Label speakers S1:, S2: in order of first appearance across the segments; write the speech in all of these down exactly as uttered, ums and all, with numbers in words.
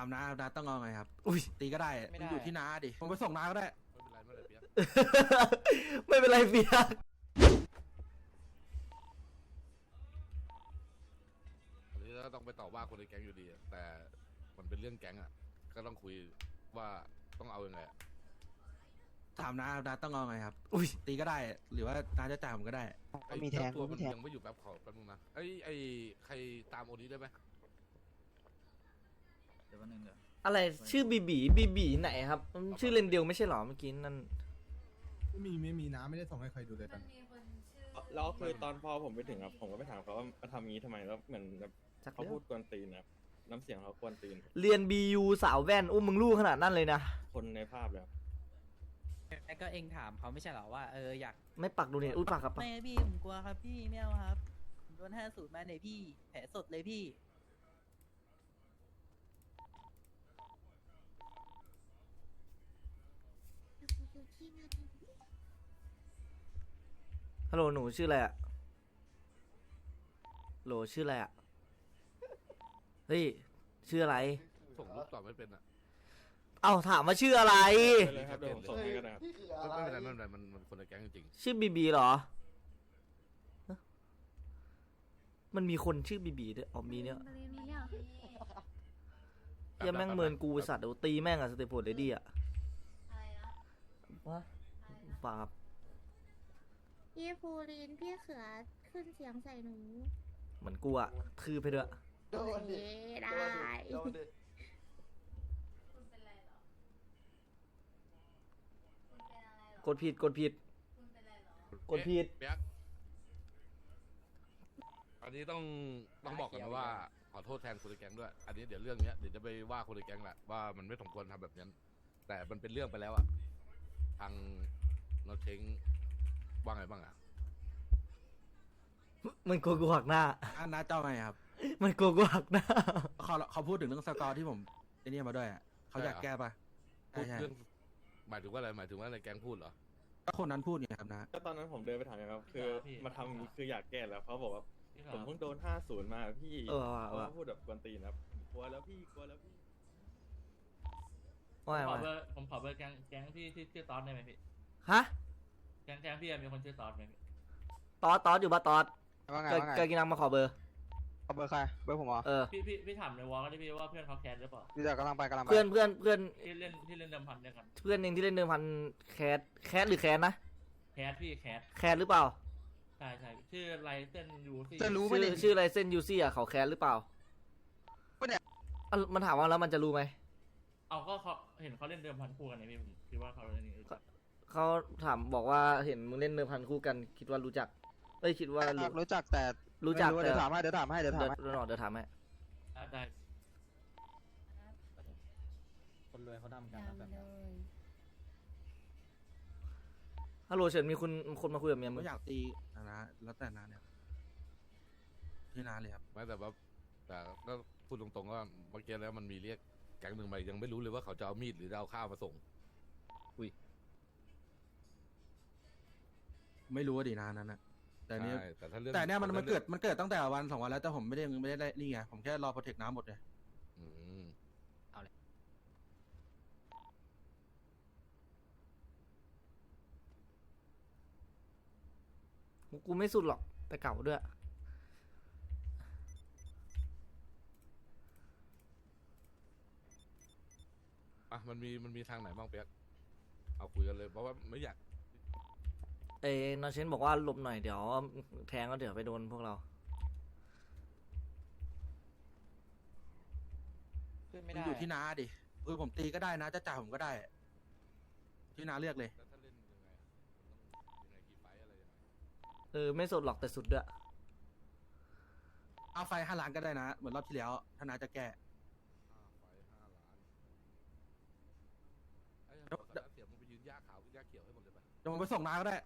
S1: ามน้าน้าต้องเอาไงครับอุ้ยตีก็ได้มันอยู่ที่น้าดิผมไปส่งน้าก็ได้
S2: ไม่เป็นไรเปียก
S3: อันนี้ก็ต้องไปต่อว่าคนในแก๊งอยู่ดีแต่มันเป็นเรื่องแก๊งอ่ะก็ต้องคุยว่าต้องเอายังไง
S1: ถามน้าน้าต้องเอาไงครับอุ้ยตีก็ได้หรือว่าน้าจะจ่ายผมก็ได้
S3: ก็มีแทงตัวมันยังไม่อยู่แป๊บขอแป๊บนึงนะไอ้ไอ้ใครตามโอนี้ได้ไหม
S4: เดี๋ยววันนึงเดี๋ยว
S2: อะไรชื่อบีบีบีบีไหนครับชื่อเลนเดียวไม่ใช่หรอเมื่อกี้นั่น
S5: ไม่มีไม่มีน้ำไม่ได้ส่งให้ใครดูเลยตอนนี้
S6: แล้วคือตอนพอผมไปถึงครับผมก็ไปถามเขาว่ามาทำงี้ทำไมแล้วเหมือนแบบเขาพูดกวนตีนนะน้ำเสียงเขากวนตีน
S2: เรียนบียูสาวแว่นอุ้มมึงลูกขนาดนั้นเลยนะ
S6: คนในภาพแล้ว
S7: ไอ้ก็เองถามเขาไม่ใช่หรอว่าเอออยาก
S2: ไม่ปักดูเนี่ยอุ้ยปักครับ
S7: ไม่พี่ผมกลัวครับพี่ไม่เอาครับโดนห้าสูตรมาเลยพี่แผลสดเลยพี่
S2: ฮัลโหลหนูชื่ออะไรอะโหลชื่ออะไรอะเฮ้ยชื่ออะไร
S3: ส่งรูปตอบไม่เป็นอ่ะ
S2: เอ้าถามว่าชื่ออะไร
S6: เลยครับเดี๋ยวผมส่งให้ก็ได้ครับ
S3: ไม่เป็นไรไม่เป็นไรมันมันคนในแก๊งจริง
S2: ชื่อบีบีเหรอมันมีคนชื่อบีบีด้วยอ๋อมีเนี่ยยังแม่งเมินกูสัตว์เดี๋ยวตีแม่งอะสเตปโพดเลดี้อะวะปาบ
S8: พี่ภูรินพี่เขือขึ้นเสียงใส่หนู
S2: เหมือนกูอะคือไปด้วย
S8: โดนดิได้
S2: กดผิดกดผิดกดผิด
S3: อันนี้ต้องต้องบอกกันนะว่าขอโทษแทนคนในแก๊งด้วยอันนี้เดี๋ยวเรื่องนี้เดี๋ยวจะไปว่าคนในแก๊งแหละว่ามันไม่สมควรทำแบบนั้นแต่มันเป็นเรื่องไปแล้วอะทางเราเช้งว่าไงบ้างอะ
S2: มันโกกูหักหน้า
S1: อันน้าเจ้าไงครับ
S2: มันโกกูหักหน้า
S1: เขาเขาพูดถึงเรื่องสกอร์ที่ผมไอ้นี่มาด้วยอะเขาอยากแก้ปะ
S3: พูดเรื่องหมายถึงว่าอะไรหมายถึงว่าในแก๊งพูดเหรอ
S1: ก็คนนั้นพูดไงครับนะ
S6: ก็ตอนนั้นผมเดินไปถามครับคือมาทำคืออยากแก้แล้วเขาบอกว่าผมเพิ่งโดนห้าศูนย์มาพี่เขาพูดแบบกวนตีนครับกลัวแล้วพี่กลัวแล้วพี่
S2: ผมขอ
S4: เบอร์ผมขอเบอร์แก๊งแก๊งพี่ที่ชื่อตอสได้ไหมพี่
S2: ฮะ
S4: แก๊งแก๊งพี่มีคนชื่อตอสไหมพี่
S2: ตอสตอสอยู่ปะตอสว่าไงว่าไงเกิดกินน้ำมาขอเบอร์
S5: ขอเบอร์ใครเบอร์ผมเหรอ
S2: เออ
S4: พี่พี่พี่ถามในวอลก็ได้พี่ว่าเพื่อนเขาแคสหรือเปล่า
S5: พี่จะกำลังไปกำลังไป
S2: เพื่อนเพื่อนเพื่อน
S4: ที่เล่นที่เล่นเดิมพันด้วยกัน
S2: เพื่อนเองที่เล่นเดิมพันแคสแคสหรือแคสนะ
S4: แคสพี่แคส
S2: แคสหรือเปล่า
S4: ใช่ใช่ชื่อไรเส้นยูซี่
S2: จะรู้ไหมชื่อชื่อไรเส้นยูซี่อ่ะเขาแคสหรือเปล่าเนี่ยมันถามว่าแล้วมันจะรู้ไหม
S4: เอาก็เขาเห็นเขาเล่นเดิมพันคู่กันไงพี่ผมคิดว่าเขาเล่นนี้
S2: เขาถามบอกว่าเห็นมึงเล่นเดิมพันคู่กันคิดว่ารู้จักเอ้ยคิดว่า
S5: รู้จักแต่
S2: รู้จัก
S5: เดี๋ยวถามให้เดี๋ยวถามให้เดี๋ยวถามให้
S2: เดี๋ยวเดี๋ยวถามให้
S4: ได้
S7: คนรวยเขาทำกันแบบ
S2: ฮัลโหลเฉินมีคุณคนมาคุยกับเมียมึ
S1: งอยากตีนะแล้วแต่นาเนี่ยที่นาเลยครับ
S3: ไม่แต่ว่าแต่ก็พูดตรงๆว่าเมื่อกี้แล้วมันมีเรียกแก๊งหนึ่งมายังไม่รู้เลยว่าเขาจะเอามีดหรือจะเอาข้าวมาส่ง
S2: อุ้ย
S1: ไม่รู้ว่าดีนานั้นนะแต่เนี้ย
S3: แต่ถ้าเรื่อง
S1: แต่เนี้ยมันมันเกิดมันเกิดตั้งแต่วันสองวันแล้วแต่ผมไม่ได้ไม่ได้นี่ไงผมแค่รอโปรเทคน้ำหมดเลย
S7: เอาเลย
S2: กูไม่สุดหรอกแต่เก่าด้วย
S3: อ่ะมันมีมันมีทางไหนบ้างเปียกเอาคุยกันเลยเพราะว่าไม่อยาก
S2: เอ้นอเชนบอกว่าหลบหน่อยเดี๋ยวแทงก็เดี๋ยวไปโดนพวกเรา
S1: มันอยู่ที่น้าดิเออผมตีก็ได้นะจะจ่ายผมก็ได้ที่น้าเลือกเลย
S2: เออไม่สดหรอกแต่สุดด้วย
S1: เอาไฟห้าล้านก็ได้นะเหมือนรอบที่แล้วถ้าน้าจะแก้
S3: เดี๋ยวมึงไปยืนย่าขาวย่าเขียวให้หมดเลยไป
S1: เดี๋ยวผมไปส่งน้าก็ได้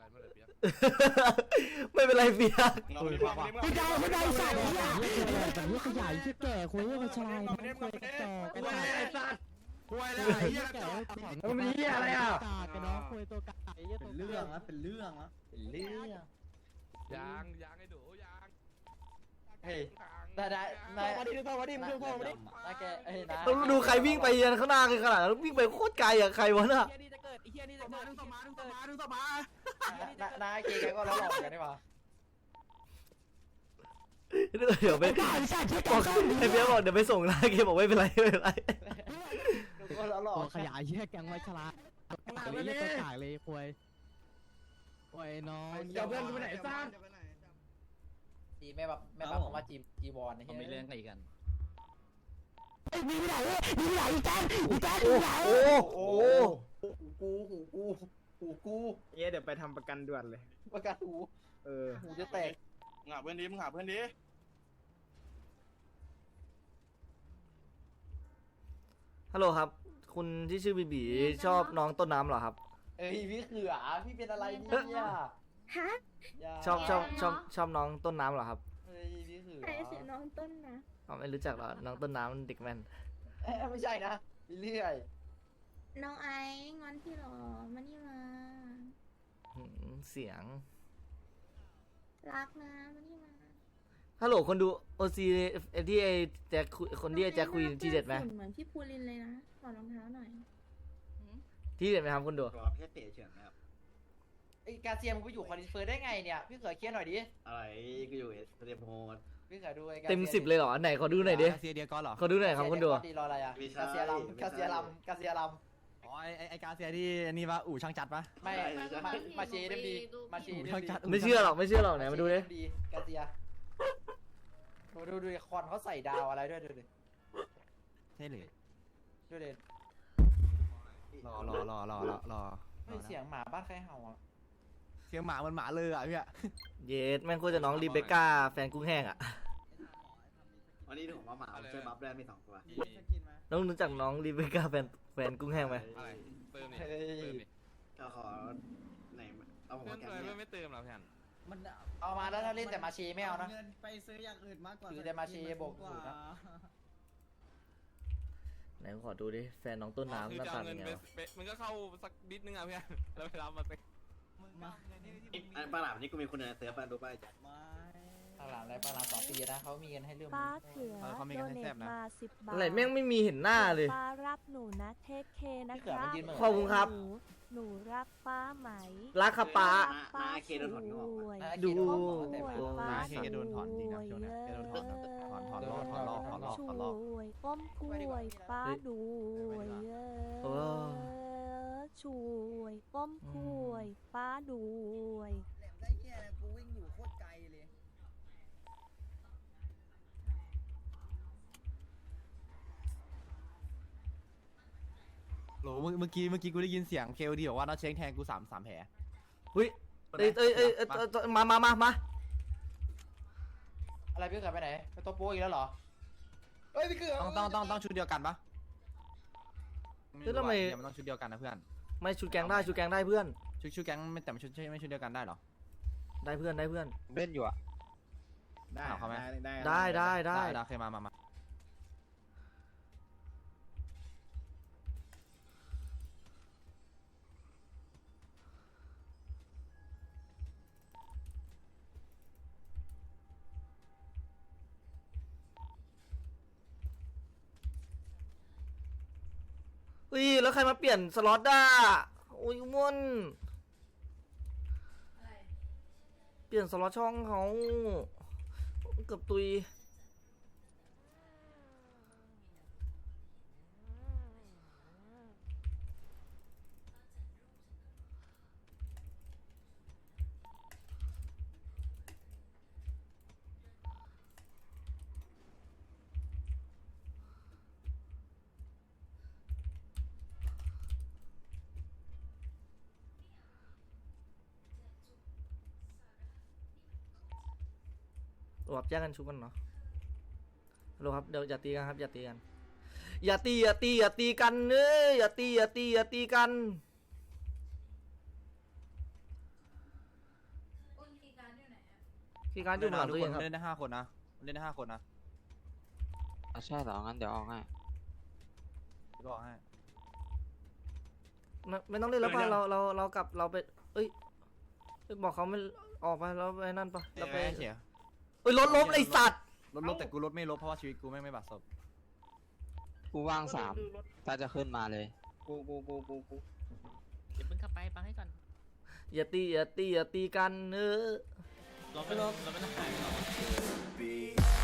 S3: ไม่เป็นไรไม่เป็นไรเปียก
S2: ไม่เป็นไรเปียก
S5: พี่ดาวพี่ดาวสั่งแต่เรื่องขยายที่แก่คุยเรื่องชายคุยต่อกัน
S1: ไอ้สัตว์คุยอะไรไอ้เหี้ย
S5: มันมีอะไรอ่ะกันน้องคุยตัวกา
S7: เป็นเรื่องนะเป็นเรื่องนะเป็นเรื่อง
S3: ยางยางไอ้ดูยาง
S7: เฮ้ยได้ได้ได้มาดิดูพ่อมาดิดูพ่อมาดินะแกเฮ้ยนะ
S2: ต้องดูใครวิ่งไปยันข้างหน้าขนาดนั้นวิ่งไปโคตรไกลอะใครวะน่ะ
S7: เฮียนี่จะเกิดไอ้เฮียนี่จะ
S1: มา
S7: เกิด
S1: ดึงต่อมาดึงต่อมาดึงต่อมา
S7: นาเกแกก็ล้อหลอกกันได้ป่ะ
S2: เดี๋ยวไปบอกไอ้เบี้ยบอกเดี๋ยวไปส่งนะเกบอกไม่เป็นไรไม่เป็นไร
S7: ก็ล้อหลอก
S5: ตัวขยายเหี้ยแกงไว้ฉลาดเลยเหี้ยตัวกากเลยควยควยน้อง
S7: เดี๋ยวเพื่อนกูไปไหนซ่าจีแม่แบบแม่แบบผมว่าจีจีวอนนะ
S9: เขามีเรื่องอะไรกัน
S5: มีไหนมีไหนอีแกงอีแกง
S2: โอ้
S5: มีไหน
S2: โหโอ้โห
S7: กูหูกูหูกู
S10: เอ๊ะเดี๋ยวไปทำประกันด่วนเลย
S7: ประกาศหู
S10: เออ
S7: หูจะแตก
S6: หาเพื่อนดีมึงหาเพื่อนดี
S2: ฮัลโหลครับ คุณที่ชื่อบีบีชอบน้องต้นน้ำเหรอครับ
S7: เอ้ยพี่เขือพี่เป็นอะไรเนี่ย
S8: ฮะ
S2: ชอบชอบชอบชอบน้องต้นน้ำเหรอครับ
S7: เฮ้ยพี่เขือ
S8: ใครเสียน้องต้นนะ
S2: อ๋อไม่รู้จักเหรอน้องต้นน้ำเด็กแมน
S7: เอ้ยไม่ใช่นะเรื่อย
S8: น้องไอ้งอนพี่หรอมานี่มา
S2: หืมเสียง
S8: รักนะมานี่มา
S2: ฮัลโหลคนดูโอซีที่ไอแจ็คคุยคนที่ไอแจ็คคุยที่เด็ดไหม
S8: ฝุ่นเหมือนพี่ภูรินเลยนะถอดรองเท้าหน่อย
S2: ที่เด็ดไหมครับคนดู
S10: รอแค่เตะเฉยนะครับ
S7: ไอ้กาเซียมมึงไปอยู่คอนดิเฟอร์ได้ไงเนี่ยพี่เขือเคลียร์หน่อยดิ
S10: อะไรก็อยู่เอสเตรียมโฮด
S7: พี่เขือดูไอ้กา
S2: เต็มสิบเลยเหรอไหนขอดูหน่อยดิ
S5: เซียเดียก้อนเหรอ
S2: ขอดูหน่อยครับคนดู
S7: ดีรออะไรอ่ะกาเซียลำกาเซียลำกาเซียล
S5: อ๋อไอไอกาเซียที่นี่ว่าอู่ช่างจัดปะ
S7: ำไม่มามาเชเดมดีมาเช
S5: อู่
S7: เดม
S5: ช่าง
S7: ดี
S5: จัด
S2: ไม่เชื่อหรอกไม่เชื่อหรอกไหนมาดูดิ
S7: ดีกาเซียดูดูดูคอนเขาใส่ดาวอะไรด้วยดูดิ
S5: ใช่เลย
S7: ดูดิ
S5: รอรอรอรอรอรอ
S7: เฮ้ยเสียงหมาบ้านใครเห่าอ่ะ
S5: เสียงหมามันหมาเลยอ่ะพี่อะ
S2: เยสแม่งโคตรจะน้องรีเบคก้าแฟนกุ้งแห้งอ่ะ
S10: วันนี้ผมว่าหมาช่วยบัฟได้มีสองตัว
S2: น้องรู้จักน้องรีเบคก้าแฟนแฟนกุ้งแห้งไหม
S3: อะไรเติมนี่
S7: เฮ้ย
S3: เติมนี่
S10: ก็ขอไหนเอาผม
S3: เพื่อ
S10: มาน แก
S3: เติม
S10: เนี่ย
S3: ไม่เติมหรอเพื่อน
S9: มัน
S7: เอามาแล้วถ้าเล่นแต่มาเชไม่เอานะ
S9: เงินไปซื้ออย่างอื่นมากกว่า
S7: ถือแต่มาเชโบกสูตรนะ
S2: ไหนขอดูดิแฟนน้องต้นน้ำหน้าตาเป็นไงวะ
S3: มันก็เข้าสักนิดนึงอ่ะเพื่อนแล้วไปรับมาเต็ม
S10: อันปลาหลามนี่กูมีคนในเสือปลาดูป้าจัด
S9: ไม่
S7: ข้างหลังอะไรข้างหลังสองปีนะเขามีเงินให้เรื่อง
S11: ป้าเขือ
S5: เขามีกันให้แซ่บนะ
S11: มาสิบบาท
S2: อะไรแม่งไม่มีเห็นหน้าเลย
S11: ป้ารักหนูนะเทคเคนะครับ
S2: ขอบคุณครับ
S11: หนูหนูรักป้าไหม
S2: รักครับป้า
S10: นาเคโดนถอนงอก
S2: ดู
S11: ป้า
S5: นาเคโดนถอนจริงนะช่วงเนี้ยแกโดนถอนถอนถอนรอบถอนรอบถอนรอบถอนรอบ
S11: ช่วยก้มกล้วยป้าด้วยเอ
S2: โอ้
S11: อช่วยก้มกล้วยป้าด้วย
S9: แหลมได้แค่กูวิ่งอยู่โคตรไกลเลย
S5: โหเมื่อเมื่อกี้เมื่อกี้กูได้ยินเสียงเคลดีบอกว่าน้าเช้งแทงกูสามสามแผล
S2: เฮ้ยเอ้ยเอ้ยเอ้ยเอ้ยเอ้ยเอ้ยมามามามา
S7: อะไรพี่เขือไปไหนไปตัวโป๊อีกแล้วเหรอเฮ้ยพี่เขือ
S5: ต้องต้องต้องต้องชุดเดียวกันปะ
S2: เฮ้ยทำไม
S5: เดี๋ยวมันต้องชุดเดียวกันนะเพื่อน
S2: ไม่ชุดแกงได้ชุดแกงได้เพื่อน
S5: ชุดชุดแก๊งไม่แต่ไม่ชุดไม่ชุดเดียวกันได้เหรอ
S2: ได้เพื่อนได้เพื่อน
S6: เล่นอยู่อ่ะ
S10: ได้
S5: เอาเข้าไหม
S10: ได้
S2: ได้ได้ได้
S5: ได้เคยมามามา
S2: เฮ้ยแล้วใครมาเปลี่ยนสล็อตอ่ะโอ้ยม่วนเปลี่ยนสล็อตช่องเขาเกือบตุยแบบแยกกันชุบกันเนาะฮัลโหลครับเดี๋ยวอย่าตีกันครับอย่าตีกันอย่าตีอย่าตีอย่าตีกันเอ้ยอย่าตีอย่าตีอย่าตีกันคีย์การ์ดอยู่หลัง
S5: ทุ
S2: ตั
S5: ก
S2: ว
S5: ค
S2: เอน งครับ
S5: เล่นได้ห้าคนนะเล่นได้ห้าคนนะ
S9: ใช่เหรองั้นเดี๋ยวออกให้
S5: บอกให้
S2: ไม่ไม่ต้องเล่นแล้วป่ะเราเราเรากลับเราไปเอ้ยบอกเขาไม่ออกไปเราไปนั่นป่ะเราไป
S5: เสีย
S2: เอ้ยรถล้มไอสัตว์
S9: ลดลบแต่กูลดไม่ลบเพราะว่าชีวิตกูไม่ไม่บัดซบกูว่างสามถ้าจะขึ้นมาเลยกูกูกูกูกู
S4: เดี๋ยวมึงขับไปฟังให้ก่อน
S2: อย่าตีอย่าตีอย่าตีกันเออ
S4: เราไม่เราไม่ต้องขายหรอก